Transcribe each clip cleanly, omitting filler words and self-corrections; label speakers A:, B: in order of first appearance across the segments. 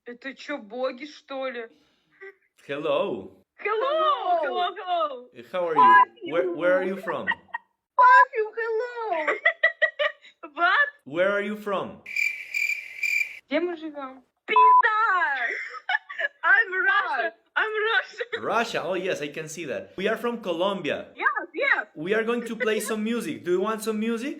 A: Это чё, боги, что ли?
B: Hello.
A: Hello, hello, hello.
B: How are you? Where are you from?
A: Fuck you, hello. What?
B: Where are you from?
A: Где мы живем? Пизда! I'm Russia. I'm Russian.
B: Russia. Oh yes, I can see that. We are from Colombia.
A: Yes, yes.
B: We are going to play some music. Do you want some music?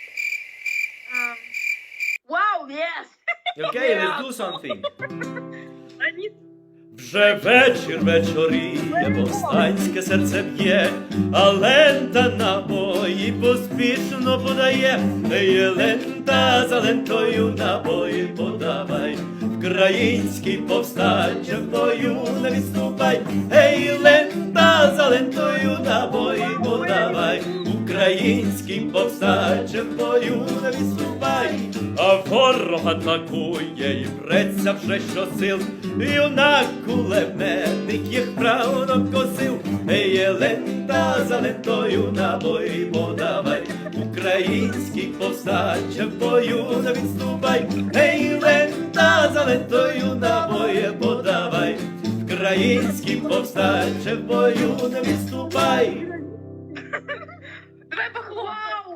A: Wow, yes.
B: Okay,
A: Yeah.
B: let's do something.
A: Они...
B: Вже вечір вечоріє, повстанське серце б'є, а лента набої поспішно подає. Ей, лента за лентою набої подавай, український повстанче в бою не відступай. Ей, лента за лентою набої подавай, український повстанче в бою не відступай. А ворог атакує і преться вже щосил, юнак кулеметник їх правно косив. Ей, лента за лентою набої подавай, український повстанче в бою не відступай. Ей, лента за лентою набої подавай, український повстанче в бою не відступай.
A: Давай похлопаем.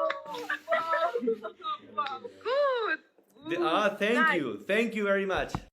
A: Good.
B: Thank you very much.